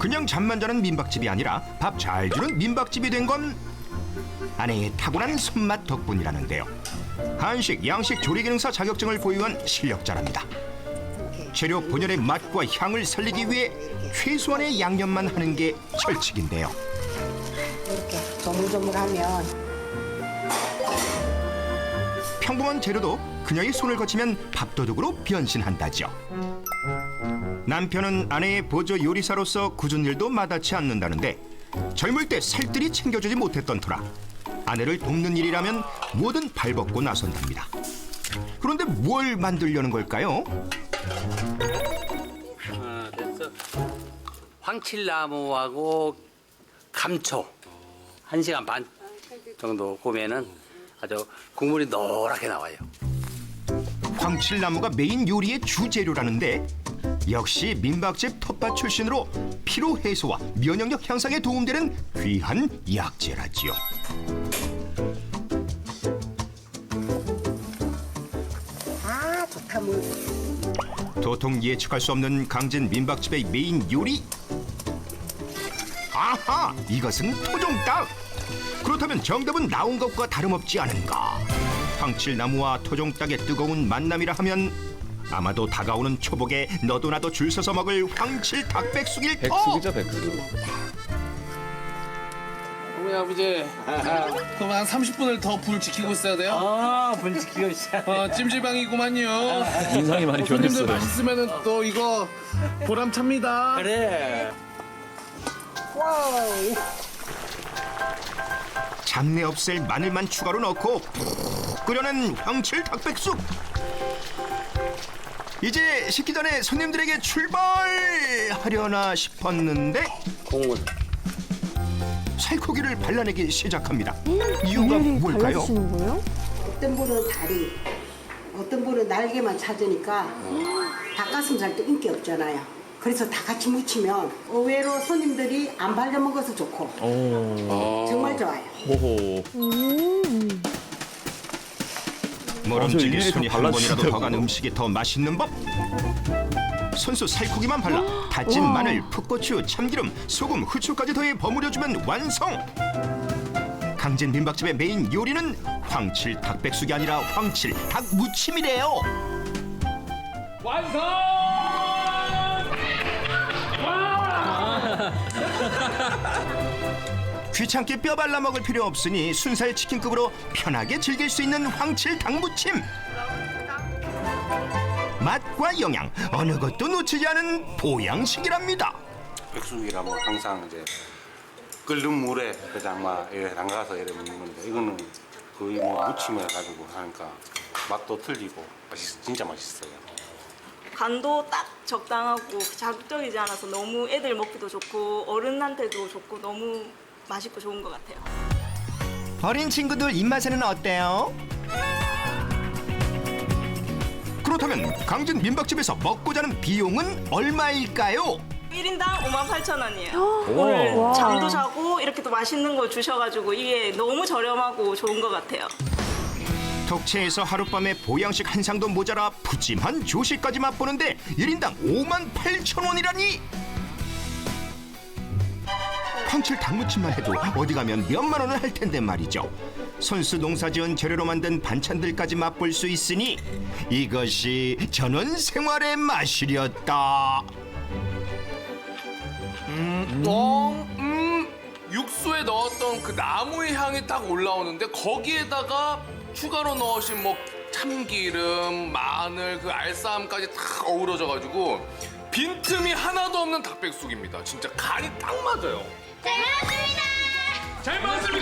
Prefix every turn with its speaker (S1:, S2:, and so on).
S1: 그냥 잠만 자는 민박집이 아니라 밥 잘 주는 민박집이 된 건 아내의 타고난 손맛 덕분이라는데요. 한식, 양식 조리기능사 자격증을 보유한 실력자랍니다. 재료 본연의 맛과 향을 살리기 위해 최소한의 양념만 하는 게 철칙인데요.
S2: 이렇게 조물조물하면
S1: 평범한 재료도 그녀의 손을 거치면 밥도둑으로 변신한다죠. 남편은 아내의 보조 요리사로서 굳은 일도 마다치 않는다는데 젊을 때 살뜰히 챙겨주지 못했던 터라 아내를 돕는 일이라면 뭐든 발벗고 나선답니다. 그런데 뭘 만들려는 걸까요?
S3: 됐어. 황칠나무하고 감초 1시간 반 정도 구우면은 아주 국물이 노랗게 나와요.
S1: 황칠나무가 메인 요리의 주재료라는데 역시 민박집 텃밭 출신으로 피로 해소와 면역력 향상에 도움되는 귀한 약재라지요.
S2: 아 좋다 물.
S1: 도통 예측할 수 없는 강진 민박집의 메인 요리. 아하, 이것은 토종닭. 그렇다면 정답은 나온 것과 다름없지 않은가. 황칠나무와 토종닭의 뜨거운 만남이라 하면 아마도 다가오는 초복에 너도 나도 줄 서서 먹을 황칠 닭백숙일 터.
S4: 백숙이죠, 백숙.
S5: 어머니 아버지 그럼 한 30분을 더 불 지키고 있어야 돼요?
S3: 불 지키고 있어요.
S5: 찜질방이구만요.
S4: 인상이 많이
S5: 손님들
S4: 변했어요.
S5: 맛있으면 또 이거 보람찹니다.
S3: 그래.
S2: 와우.
S1: 잡내 없앨 마늘만 추가로 넣고 푹 끓여낸 황칠 닭백숙. 이제 식기 전에 손님들에게 출발하려나 싶었는데
S3: 국물.
S1: 살코기를 발라내기 시작합니다. 이유가 뭘까요?
S2: 어떤 분은 다리, 어떤 분은 날개만 찾으니까 닭가슴살도 인기 없잖아요. 그래서 다 같이 무치면 의외로 손님들이 안 발려 먹어서 좋고 정말 좋아요.
S4: 호호.
S1: 모름지기
S4: 일일이
S1: 손이
S4: 다
S1: 한 번이라도
S4: 발라주신다고.
S1: 더 간 음식이 더 맛있는 법. 손수 살코기만 발라 다진 마늘, 풋고추, 참기름, 소금, 후추까지 더해 버무려주면 완성. 강진 민박집의 메인 요리는 황칠 닭백숙이 아니라 황칠 닭무침이래요.
S5: 완성!
S1: 귀찮게 뼈 발라 먹을 필요 없으니 순살 치킨급으로 편하게 즐길 수 있는 황칠 닭무침. 맛과 영양 어느 것도 놓치지 않은 보양식이랍니다.
S6: 백숙이라면 항상 이제 끓는 물에 그냥 막 이렇게 담가서 이렇게 먹는 건데 이거는 거의 뭐 무침을 가지고 하니까 맛도 틀리고 진짜 맛있어요.
S7: 간도 딱 적당하고 자극적이지 않아서 너무 애들 먹기도 좋고 어른한테도 좋고 너무 맛있고 좋은 것 같아요.
S1: 어린 친구들 입맛에는 어때요? 그렇다면 강진 민박집에서 먹고 자는 비용은 얼마일까요?
S7: 1인당 58,000원이에요. 오늘 잠도 자고 이렇게 또 맛있는 거 주셔가지고 이게 너무 저렴하고 좋은 것 같아요.
S1: 덕체에서 하룻밤에 보양식 한 상도 모자라 푸짐한 조식까지 맛보는데 1인당 58,000원이라니! 황칠 닭무침만 해도 어디 가면 몇만 원은 할 텐데 말이죠. 손수 농사지은 재료로 만든 반찬들까지 맛볼 수 있으니 이것이 전원 생활의 맛이렸다.
S5: 육수에 넣었던 그 나무의 향이 딱 올라오는데 거기에다가 추가로 넣으신 뭐 참기름, 마늘, 그 알싸함까지 딱 어우러져가지고 빈틈이 하나도 없는 닭백숙입니다. 진짜 간이 딱 맞아요.
S8: 잘 먹었습니다.
S5: 잘 먹었습니다.